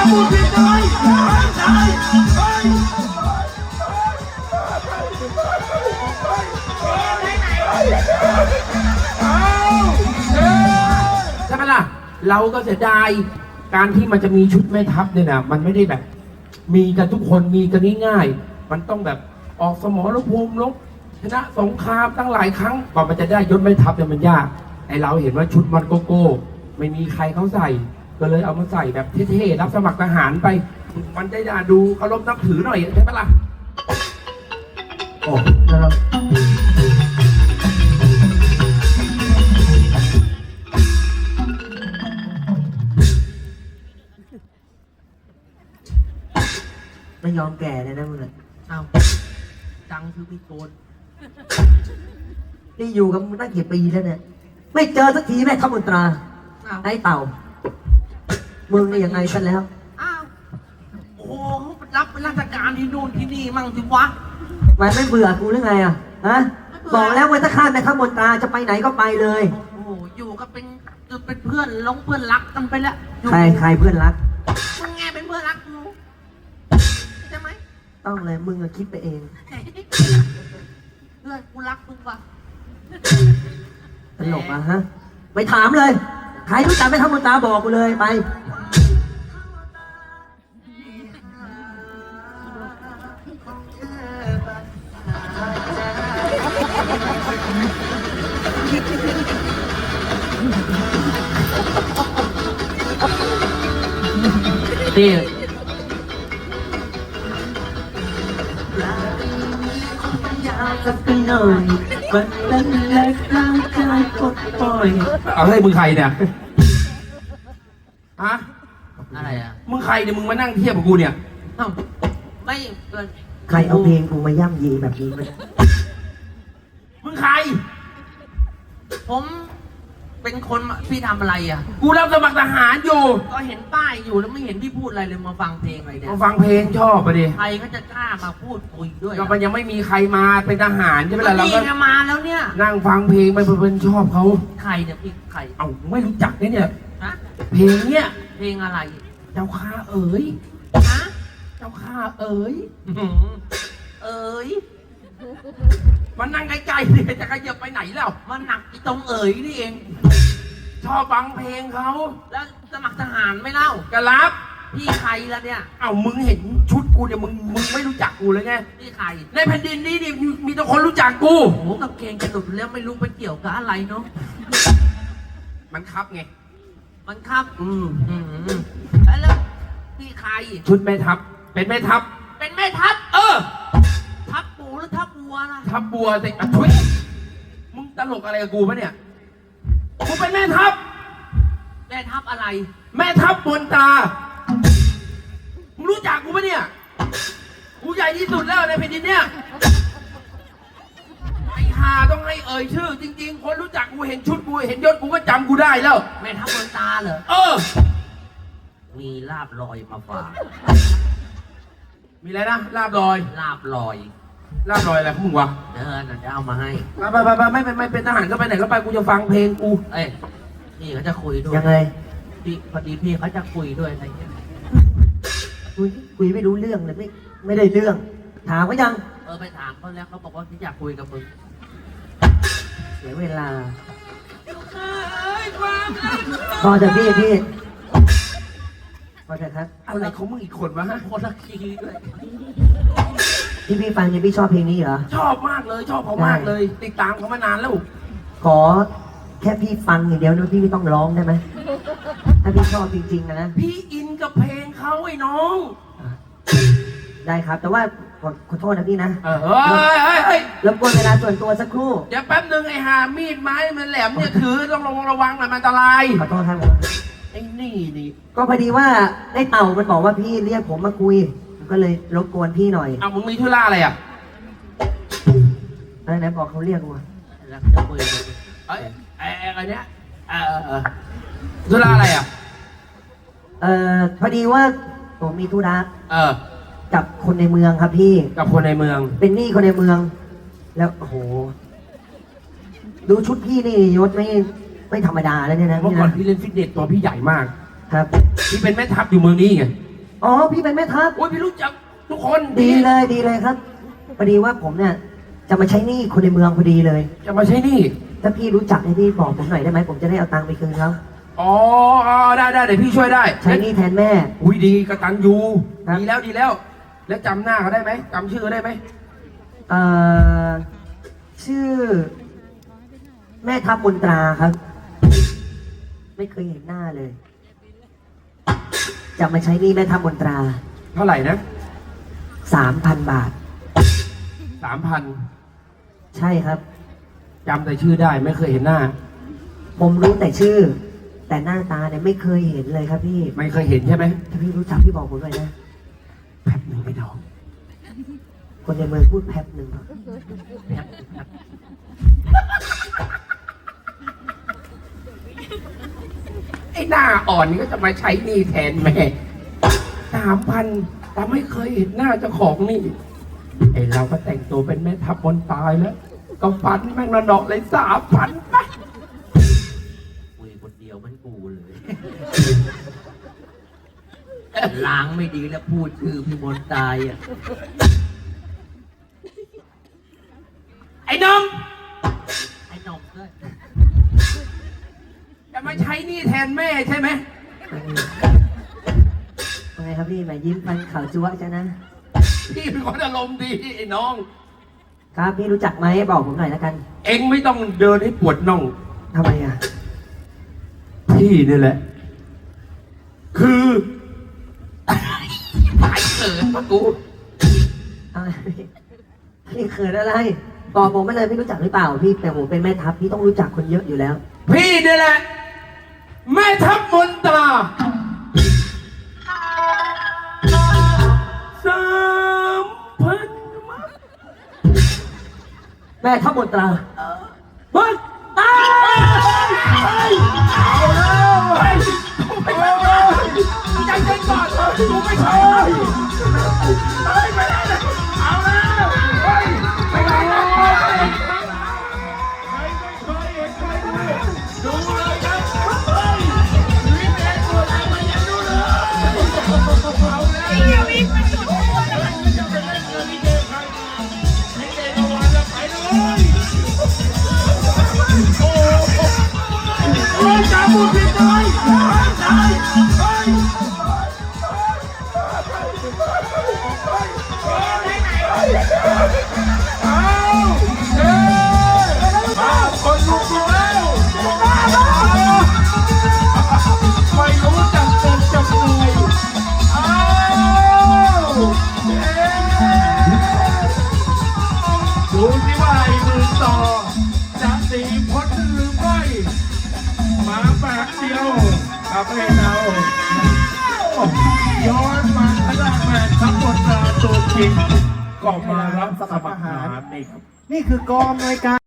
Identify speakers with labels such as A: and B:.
A: พูดผิดเลยใช่ใช่ไหมล่ะเราก็เสียดายการที่มันจะมีชุดแม่ทัพเนี่ยนะมันไม่ได้แบบมีกันทุกคนมีกันง่ายๆมันต้องแบบออกสมรภูมิรบชนะสงครามตั้งหลายครั้งกว่ามันจะได้ยศแม่ทัพเนี่ยมันยากไอเราเห็นว่าชุดมันโกโก้ไม่มีใครเขาใส่ก็เลยเอามาใส่แบบเท่ๆรับสมัครทหารไปมันได้ดูเคารพนับถือหน่อยใช่ไหมล่ะโอ้นะครับ
B: ไม่ยอมแก่เลยนะมึงอ่ะ
A: เอาจังคือพี่โกน
B: นี่อยู่กับมึงตั้งกี่ปีแล้วเนี่ยไม่เจอสักทีแม่ทัพมนตราไอ้เต่ามึงนี่ยังไงกันแล้ว
A: อ้าวโอ้โหรับราชการที่นู่นที่นี่มั่งสิวะ
B: มันไม่เบื่อกูหรือไงอ่ะฮะบอกแล้วว่าถ้าข้าแม่ทัพมนตราจะไปไหนก็ไปเลย
A: โอ้โหอยู่ก็เป็นเพื่อนเพื่อนรักกันไปแล้วอยู่
B: ใครเพื่อนรัก
A: มึงไงเป็นเพื่อนรักกูใช่ไหม
B: ต้องเลยมึงอะคิดไปเอง
A: เพื่อนกูรักมึงว่ะ
B: ตลกอะฮะไปถามเลยใครรู้จักแม่ทัพมนตราบอกกูเลยไป
A: นี่เอาให้มึงใครเนี่ยฮะอะไรอ่ะมึงใครเนี่ยมึงมานั่งเทียบกับกูเนี่ยไม่เกิน
B: ใครเอาเพลงกูมาย่ำยีแบบนี้มา
A: มึงใครผมเป็นคนพี่ทำอะไรอ่ะกูรับสมัครทหารอยู่ก็เห็นป้ายอยู่แล้วไม่เห็นพี่พูดอะไรเลยมาฟังเพลงอะไรเนี่ยมาฟังเพลงชอบปะดิใครก็จะกล้ามาพูดคุยด้วยก็มันยังไม่มีใครมาเป็นทหารใช่ไหมล่ะเราก็มาแล้วเนี่ยนั่งฟังเพลงไปเพลินชอบเขาใครเนี่ยพี่ใครเอ้าไม่รู้จักเนี่ยเพลงเนี่ยเพลงอะไรเจ้าข้าเอ๋ยฮะเจ้าข้าเอ๋ยเอ๋ยมันนั่งไกลๆดิจะขยับไปไหนแล้วมันหนักตรงเอ๋ยนี่เองชอบฟังเพลงเขาแล้วสมัครทหารไม่เล่าก็รับพี่ใครแล้วเนี่ยเอ้ามึงเห็นชุดกูเนี่ยมึงไม่รู้จักกูเลยไงพี่ใครในแผ่นดินนี้นี่มีแต่คนรู้จักกูโอ้กับเกงจะหลุดแล้วไม่รู้ไปเกี่ยวกับอะไรเนาะมันครับไงมันครับแล้วพี่ใครชุดแม่ทัพเป็นแม่ทัพเป็นแม่ทัพทัพปูหรือทัพบัวนะทัพบัวสิช่วยมึงตลกอะไรกับกูปะเนี่ยกูเป็นแม่ทัพแม่ทัพอะไรแม่ทัพมนตรามึงรู้จักกูปะเนี่ยกูใหญ่ที่สุดแล้วในแผ่นดินเนี่ยไอ้ห่าต้องให้เอ่ยชื่อจริงๆคนรู้จักกูเห็นชุดกูเห็นยศกูก็จำกูได้แล้วแม่ทัพมนตราเหรอมีลาบลอยมาฝากมีอะไรนะลาบลอยลาบลอยลาบลอยอะไรของมึงวะจะเอามาให้ไปไม่เป็นทหารก็ไปไหนก็ไปกูจะฟังเพลงกูเอ้ยพี่เขาจะคุยด้วย
B: ยังไง
A: พี่พอดีพี่เขาจะคุยด้วยอะไรเงี้ย
B: คุยไม่รู้เรื่องเลยไม่ได้เรื่องถามก็ยัง
A: ไปถามเขาแล้วเขาบอกว่าที่อยากคุยกับมึง
B: เสียเวลาพอจะพี่พอจะครับ
A: อะไรของมึงอีกคนวะฮะคนละคีย์ด้วย
B: พี่ฟังเนี่ยพี่ชอบเพลงนี้เหรอ
A: ชอบมากเลยชอบเขามากเลยติดตามเขามานานแล้ว
B: ขอแค่พี่ฟังอย่างเดียวนะพี่ไม่ต้องร้องได้ไหมถ้าพี่ชอบจริงๆนะ
A: พี่อินกับเพลงเขาไอ้น้อง
B: ได้ครับแต่ว่าขอโทษนะพี่นะ
A: เฮ้ย
B: รบกวนเวลาส่วนตัวสักครู่
A: เดี๋ยวแป๊บนึงไอ้หามีดไม้มันแหลมเนี่ยถือต้องระวังหน่อยมันอันตราย
B: ขอโทษครับ
A: ไอ้นี่
B: ก็พอดีว่าได้เต่ามันบอกว่าพี่เรียกผมมาคุยก็เลยรบกวนพี่หน่อย
A: มึงมีธุระอะไรอ่ะ
B: อะไรนะบอกเขาเรียกกู
A: แล้วจะคุยอะไรเนี้ยธุระอะไรอ่ะ
B: พอดีว่าผมมีธุระกับคนในเมืองครับพี่
A: กับคนในเมือง
B: เป็นหนี้คนในเมือง แล้วโอ้โหดูชุดพี่นี่ยศไม่ธรรมดาแล้วเนี่ยนะ
A: เมื่อก่อนพี่เล่นฟิตเนสตัวพี่ใหญ่มาก
B: ครับ
A: พี่เป็นแม่ทัพอยู่เมืองนี้ไง
B: อ๋อพี่เป็นแม่ทัพ
A: โอ้ยพี่รู้จักทุกคน
B: ดีเลยครับพอดีว่าผมเนี่ยจะมาใช้หนี้คนในเมืองพอดีเลย
A: จะมาใช้หนี่
B: ถ้าพี่รู้จักให้พี่บอกผมหน่อยได้ไหมผมจะได้เอาตังค์ไปคืนเขา
A: อ๋อได้เดี๋ยวพี่ช่วยได้
B: ใช้หนี้แทนแม่
A: อุ้ยดีกตันยู
B: ครับ
A: ดีแล้ว แล้วจำหน้าเขาได้ไหมจำชื่อเขาได้ไหม
B: เอ่อชื่อ แม่ทัพมนตราครับ ไม่เคยเห็นหน้าเลยจะมาใช้หนี้แม่ทัพมนตรา
A: เท่าไหร่นะ
B: 3,000 บาท
A: 3,000
B: ใช่ครับ
A: จำแต่ชื่อได้ไม่เคยเห็นหน้า
B: ผมรู้แต่ชื่อ แต่หน้าตาเนี่ยไม่เคยเห็นเลยครับพี่
A: ไม่เคยเห็นใช่ไหม
B: ถ้าพี่รู้จักพี่บอกผมหน่อยนะ
A: แป๊บหนึ่งไม่น้อง
B: คนในเมืองพูดแป๊บหนึ่งครับ
A: แป๊บไอ้หน้าอ่อนนี่ก็จะมาใช้หนี้แทนแม่3,000แต่ไม่เคยเห็นหน้าเจ้าของหนี่ไอ้เราก็แต่งตัวเป็นแม่ทัพบนตายแล้ว ก็ฟันแม่งระดอกเลย3,000ไปคุยคนเดียวมันกูเลยล้างไม่ดีแล้วพูดชื่อพี่มนตายอ่ะไอ้นมด้วย จะมาใช้หนี่แทนแม่ใช่ไหม
B: ว่าไงครับพี่หมายยิ้มฟันขาวจั๊วะจ้ะนะ
A: พี่เป็นคนอารมณ์ดีไอ้น้อง
B: ครับพี่รู้จักไหมบอกผมหน่อยแล้วกัน
A: เอ็งไม่ต้องเดินให้ปวดน่อง
B: ทำไมอ่ะ
A: พี่นี่แหละ คือตายเกิดปะกู
B: อะไรพี่เขินอะไรบอกผมไม่เลยพี่รู้จักหรือเปล่าพี่แต่ผมเป็นแม่ทัพพี่ต้องรู้จักคนเยอะอยู่แล้ว
A: พี่นี่แหละ แม่ทัพมนตรา3,000
B: แม่ทัพมนตรา
A: เฮ้ยตายเอาแล้วเฮ้ยกูไม่ใช่ใจเย็นก่อนกูไม่ใช่เฮ้ยไม่ได้เลยเอาแล้วเฮ้ยไม่ได้เลยดูเลยครับเฮ้ยวินเอ็นตัวไหนมันยังดูเลยเอาแล้ววินมันจุดมันจะไปเล่นเงินที่เจอใครมาไม่เจอวันแล้วไปเลยโอ้โหจ่าบุญผิดเลยตายเฮ้ยเอาเฮ้ยคนลุกแล้วไม่รู้จักเต็มจำเลยเอาดูสิว่าไอ้มือต่อจะตีพ้นหรือไม่มาแปะเดียวทำให้เราย้อนมาขนาดแม่ทัพบนตราตัวจริงก็มารับสมัครทหารนี่ครับ
C: นี่คือกองอำนวยการ